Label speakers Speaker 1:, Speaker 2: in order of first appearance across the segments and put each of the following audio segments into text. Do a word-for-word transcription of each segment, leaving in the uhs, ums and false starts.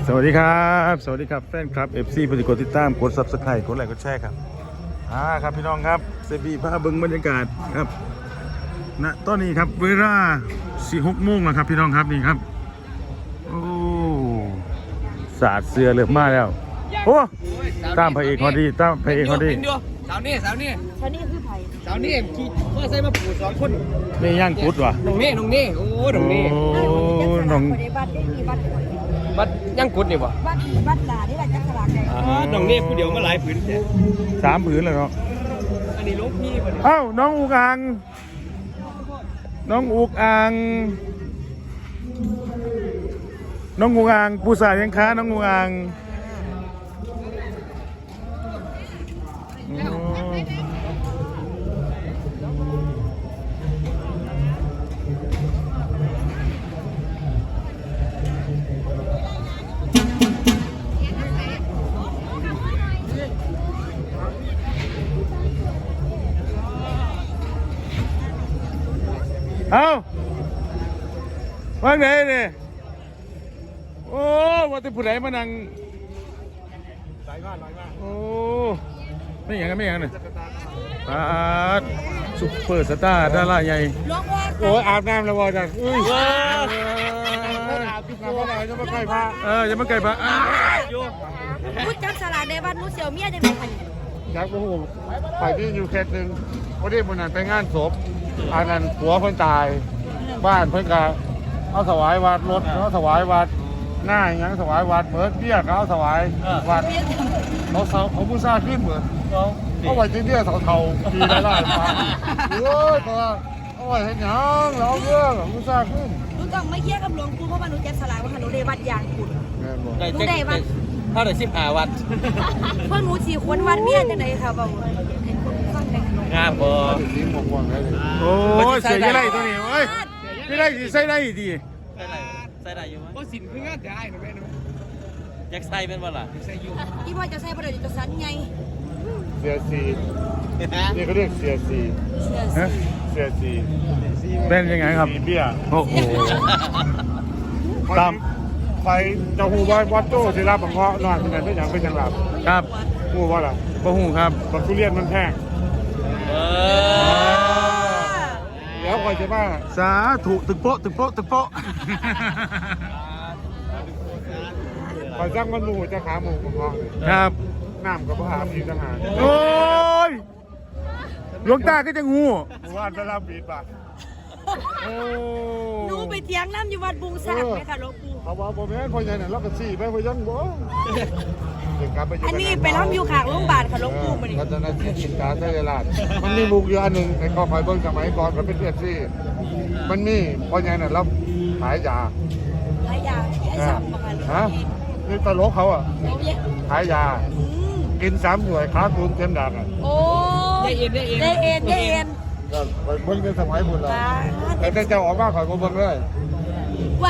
Speaker 1: สวัสดีครับสวัสดีครับแฟนคลับ เอฟ ซี ผู้ติดกดติดตามกด ซับสไครบ์ กดไลค์กดแชร์ครับอ่าครับพี่น้องครับเซบีพาเบิ้งบรรยากาศครับณตอนนี้ครับเวลาสี่หกโมงแล้วครับพี่น้องครับนี่ครับโอ้สาดเสือเลือบมาแล้วโอ้ตามพระเอกเขาดีตามพระเอกเขาดี
Speaker 2: สาวนี่สาวนี่
Speaker 3: สาวนี่คือไผ่
Speaker 2: สาวนี่ขี่เมื่อใส่มาปูสองคน
Speaker 1: นี่ย่างกุดวะ
Speaker 2: น้องนี่น้องนี่โอ้น้องนี่
Speaker 1: โอ้น้อง
Speaker 3: บัตรได้มีบัตร
Speaker 2: บัดยังกุดนี่บ่
Speaker 3: บัตรบัตรหลานี่แหละจักรลาไง
Speaker 2: อ๋อน้องนี่ผู้เดียวมาหลายผืนแท้
Speaker 1: สามผืนเลยเนาะ
Speaker 2: อันนี้ลูกพี่บ่
Speaker 1: เอ้าน้องอุกอังน้องอุกอังน้องอุกอังปูสายังค้าน้องอุกอังเอาว่าไงเนี่ยโอ้ว่าแต่ผู้ใดมานั่งหลายมากหลายมากโอ้ไม่อย่างนั้นไม่อย่างนั้นเลยปาดซุปเปอร์สตาร์ดาราใหญ่โอ้อาบน้ำแล้ววะจังอุ้ยอาบน้ำอะไรจะมาไก่พระเออจะมาไก่พระ
Speaker 3: พูดจับสลากในวันนู้เสี่ยวเมียจะเป็นใคร
Speaker 4: จักรหูไปที่อยู่เขตหนึ่งวันนี้มันนั้นไปงานศพอันนั้นผัวเพิ่นตายบ้านเพิ่นก็เอาถวายวัดรถเอาถวายวัดหน้าอย่างถวายวัดเบิดเบี้ยก็เอาถวายวัดเขาเขาเขาผู้ซ่าขึ้นเหมือนเขาไว้ที่เนี่ยเท่าๆปีละหลายพันโอ้ยตัวเอาไว้ให้ยังแล้วเรื่องผู้ซ่าขึ้น
Speaker 3: หนูต้องไม่เครียดกับหลวงปู่เพราะว่าหนูจับสลากว่าหนูได้วัดยางคุณหนูได้วัด
Speaker 2: เท่าไหร่สิบห้าวัด
Speaker 3: พวกหนูสี่คนวัดเมียจะไหนค่ะบ่าวเห็นคนฟังได้
Speaker 2: งามบ่
Speaker 4: สีม่วงๆเลย
Speaker 1: โอ้ยเสียอะไรตัวนี้เฮ้ยไม่ได้ใส่ได้ดี
Speaker 2: ใส่ได้ใส่ได้อยู่มั้ยบ่สินคืองานได้นะแม่อยากใส่เป็นบ่ล่ะใส่อยู่
Speaker 3: พี่พ่อจะใส่บ่ได้จะสันไง
Speaker 4: เสียสีนี่เขาเรียกเสียสีเสียสี
Speaker 1: เป็นยังไงครับ
Speaker 4: เบี้ย
Speaker 1: โอ้โหตาม
Speaker 4: ไปเจ้าหูว่าวัดโต้ศิลาบังเงาะนอนที่ไหนไม่อย่างไม่จังหลับ
Speaker 1: ครับ
Speaker 4: หูว่าอะไร
Speaker 1: บ่หูครับ
Speaker 4: บักทุเรียนมันแพงเดี๋ยวคอยจะว่า
Speaker 1: สาธุตึกโป๊ะตึกโป๊ะตึกโป๊ะ
Speaker 4: คอยสร้างมันหมูจะขาหมูบังเงาะ
Speaker 1: ครับ
Speaker 4: น้ำกับพระอาบีทหาร
Speaker 1: โอ้ยหลวงตาก็จะงู
Speaker 4: ว่าจะรับบีดป่ะ
Speaker 3: หนูไปเถียงน้ำอยู่วัดบุงสากไหมคะหลวงปู่
Speaker 4: เขาบอกบ่แม่นพ่อใหญ่น่ะเราก็สี่ไปพ่อยังบ่
Speaker 3: อันนี้ไปรับอยู่ข้างโรงพยาบาลค่ะหลวงปู่มาดิ
Speaker 4: รัตนศิลป์กิจการได้ลาดมันมีมุกอยู่อันหนึ่งไอ้ข้อไฟเบิ้งสมัยก่อนมันเป็นเลือดซี่มันมีพ่อใหญ่น่ะรับขายยา
Speaker 3: ขายยาไอ้สามประกัน
Speaker 4: ฮะนี่ตลกเขาอ่ะขายยากินสามหน่วยค้าตุนเต็มดักอ่ะ
Speaker 3: โอ้
Speaker 2: ได้เอ็นได้เอ็น
Speaker 3: ได้เอ็นได้เอ็น
Speaker 4: ก็เบิ้งในสมัยบุญเราแต่เจ้าออกมาขอยมาเบิ้งเลย
Speaker 3: ว้า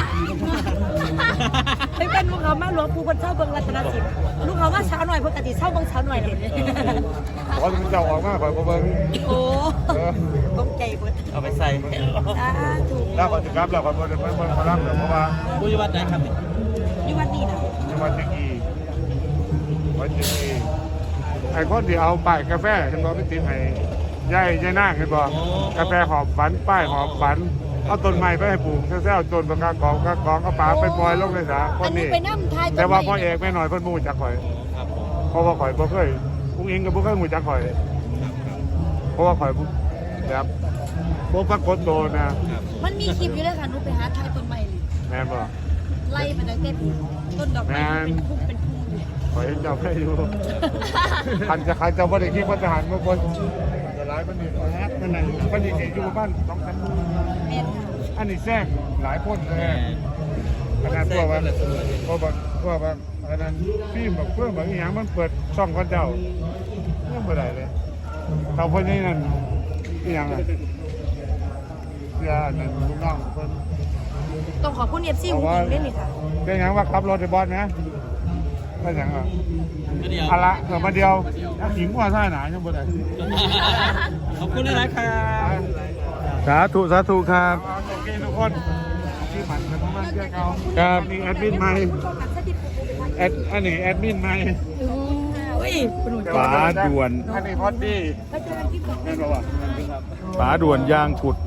Speaker 3: เป็นลูกเขามาหลวงปู่คนเช่าเบิ้งรัตนศิลป์ลูกเขาว่าเช้าหน่อยปกติเช่าเบิ้งเช้าหน่อยเห็น
Speaker 4: ขอเจ้าออกมาขอยมาเบิ้ง
Speaker 3: โอ้ต้องใจเบิ้ง
Speaker 2: เอาไปใส่
Speaker 3: ถูก
Speaker 4: แล้วก็จะกลับแล้วก็เบิ้งเบิ้งเบิ้งมารับเพราะว่า
Speaker 2: บุญวัดไหนครับ
Speaker 3: อยู่วัดนี้นะ
Speaker 4: อยู่วัดจีกีวัดจีกีไอ้คนที่เอาป้ายกาแฟเห็นบอกไม่ติดให้ย่ายย่ายนั่งเห็นบอกกาแฟหอมฝันป้ายหอมฝันเอาต้นไม้ไปให้ปลูกแซ่ๆต้นปากกากองกากองเอาป่าไปปล่อยลงในสระคนนี้แต่ว่าพ่อเอกไม่หน่อยเพิ่นมูจักข่อยเพราะว่าข่อยบ่เคยอุ้งอิงกับบ่เคยมูจักข่อยเพราะว่าข่อยแบบบ่ปรากฏโตนะ
Speaker 3: มันมีคลิปอยู่ด้วยค่ะหนูไปหาทายต้นไม้
Speaker 4: แม่นบ่
Speaker 3: ไล่มาตั้งแต่ต้นดอกไม้เป็นพุ่มเป็นพุ่ม
Speaker 4: ข่อยเห็นเจ้าไม่อยู่คันจะคันจะบ่ได้คิดว่าทหารบางคนจะร้ายมันนี่แฮกมันนั่นมันนี่อยู่บ้านสองสามอันนี้แทรกหลายคนเลยขนาดพวกว่าพวกพวกว่าอันนั้นฟิล์มแบบเพื่อนแบบอย่างมันเปิดช่องกันเจ้าเรื่องอะไรเลยเขาพวกนี้นั่นอย่างไรเสียนั่นลูกน้องคน
Speaker 3: ต้องขอบคุณเอฟซีหุ่นยิงได้ไหมคะ
Speaker 4: เป็นอย่างว่าขับรถในบอสไหมเป็นอย่างอ่ะอะไรเกิดมาเดียวหิงว่าท่าหนายังบ่ได้
Speaker 2: ขอบคุณนะครับ
Speaker 1: สาธุสาธุครับ
Speaker 4: โอเคทุกคนที่มันเป็นประมาณเจ้าเขา
Speaker 1: ครับ
Speaker 4: นี่แอดมินใหม่แอดอันนี้แอดมินใหม่
Speaker 3: อุ้ยคุณหนู
Speaker 1: ป๋าด่วน
Speaker 4: อันนี้พอดดี้แม่นบอกว่า
Speaker 1: ป๋าด่วนยางขุด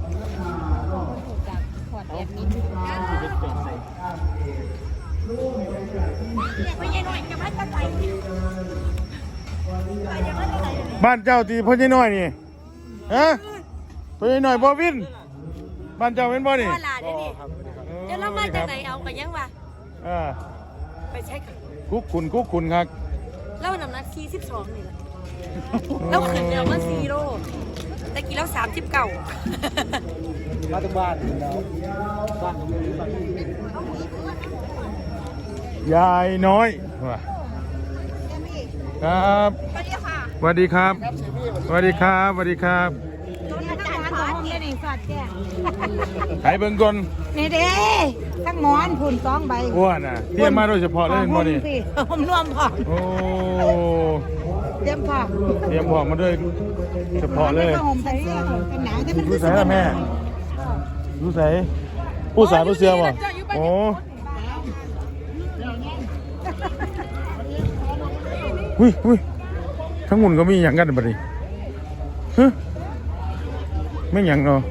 Speaker 3: ไม่ใช่หน่อยจะมาจะไหน
Speaker 1: บ้านเจ้าตีพ่อใหญ่น้อยนี่ฮะพ่อใหญ่น้อยบ่วินบ้านเจ้าเป็นบ่นี่
Speaker 3: พ่อหลานนี่นี่เดี๋ยวเรามาจากไหนเอากันยังวะ
Speaker 1: อ่า
Speaker 3: ไปใช้กัน
Speaker 1: กุ๊กคุณกุ๊กคุณครับ
Speaker 3: แล้วน้ำหนักสี่สิบสองนี่แหละแล้วขึ้นเดียวมาสี่โลแต่กี่แล้วสามสิบเก้า
Speaker 2: มาถึงบ้านแล้วบ้าน
Speaker 1: ยายน้อยว่ะครับสวัสดีครับสวัสดีครับสวัสดีครับ
Speaker 3: อาจารย์ของนี่นี่สอดแจ้ง
Speaker 1: ไห้เบิ่งก่อน
Speaker 3: นี่เด้ทั้งหมอนผุนสองใบ
Speaker 1: อ้วนน่ะเตรียมมาโดยเฉพาะเลยบ่นี่
Speaker 3: ผมรวมพอ
Speaker 1: โอ้
Speaker 3: เตรียมพอ
Speaker 1: เตรียมพร้อมมาด้วยเฉพาะเลย
Speaker 3: ผมใส่เป็นหนาวที่มัน
Speaker 1: รู้ใส่ละแม่รู้ใส่ผู้สาวผู้เสือบ่โอ้หุ้ยหุ้ยทั้งหมุนก็มีอย่างกันบัดนี้ฮะไม่หยังเนาะ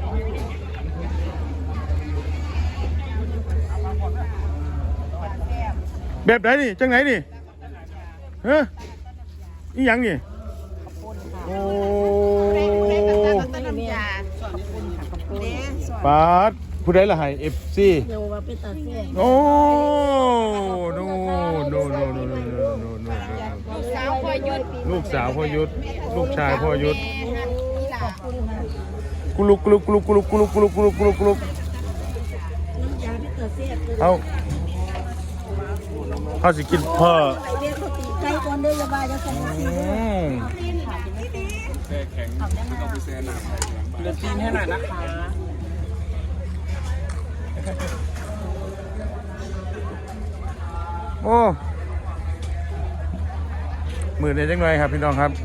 Speaker 1: แบบไหนนี่จังไหนนี่ฮะอีหยังนี่โอ้ปาดผู้ใดละให้ เอฟ ซี
Speaker 3: เดี๋ยวว่าเป็นตาเสีย
Speaker 1: โอ้โนโนโนโนโนโนโนโน
Speaker 3: สาวพอยุด
Speaker 1: ลูกสาวพ่อยุทธลูกชายพ่อยุทธกุลุกกุลุกกุลุกกุลุกกุลุกกุลุกกุลุกกุลุกกุลุก
Speaker 3: ยาเป็นตาเสีย
Speaker 1: เอาเขาสิกินพ่อ
Speaker 3: ไปเรียนสติใจก่อนเด้อยาบาจะส่งมา
Speaker 1: อืม
Speaker 2: เดือดตีนให้หน่อยนะคะ
Speaker 1: โอ้มือเดียวจังเลยครับพี่น้องครับ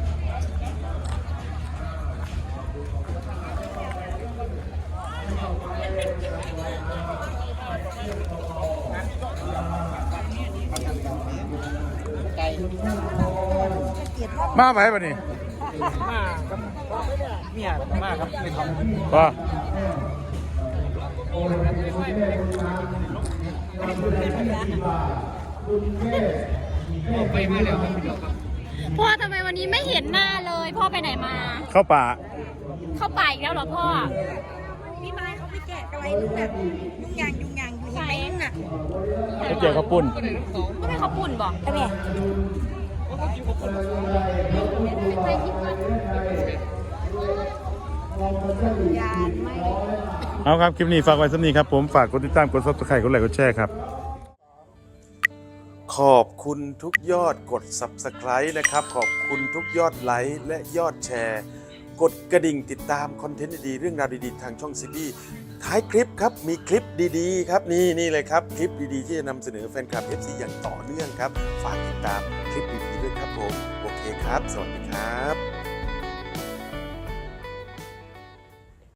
Speaker 1: มาไปป่ะนี่
Speaker 2: มาครับเนี่ยมาครับไปทำ
Speaker 1: ป่ะ
Speaker 2: ไปมาแล้วครับ
Speaker 5: พ่อทำไมวันนี้ไม่เห็นหน้าเลย พ่อไปไหนมา
Speaker 1: เข้าป่า
Speaker 5: เข้าป่าอีกแล้วเหรอพ่อ
Speaker 3: พี่ไม้เขาไปแกะอะไรนึกแบบยุ่งยางยุ่งยางอยู่ในนึงน่ะ
Speaker 1: จะเจอข้าวปุ้น
Speaker 5: ก็ไม่เขาปุ่นบอก
Speaker 3: ใช่ไหมยานไม่
Speaker 1: เอาครับ คลิปนี้ฝากไว้สักนี้ครับผม ฝากกดติดตามกดซับสไครต์กดไลค์กดแชร์ครับ ขอบคุณทุกยอดกด ซับสไครต์ นะครับ ขอบคุณทุกยอดไลค์และยอดแชร์ กดกระดิ่งติดตามคอนเทนต์ดีๆเรื่องราวดีๆทางช่องซีบีท้ายคลิปครับ มีคลิปดีๆครับนี่นี่เลยครับ คลิปดีๆที่จะนำเสนอแฟนคลับ เอฟ ซี อย่างต่อเนื่องครับ ฝากติดตามคลิปดีๆด้วยครับผม โอเคครับ สวัสดีครับ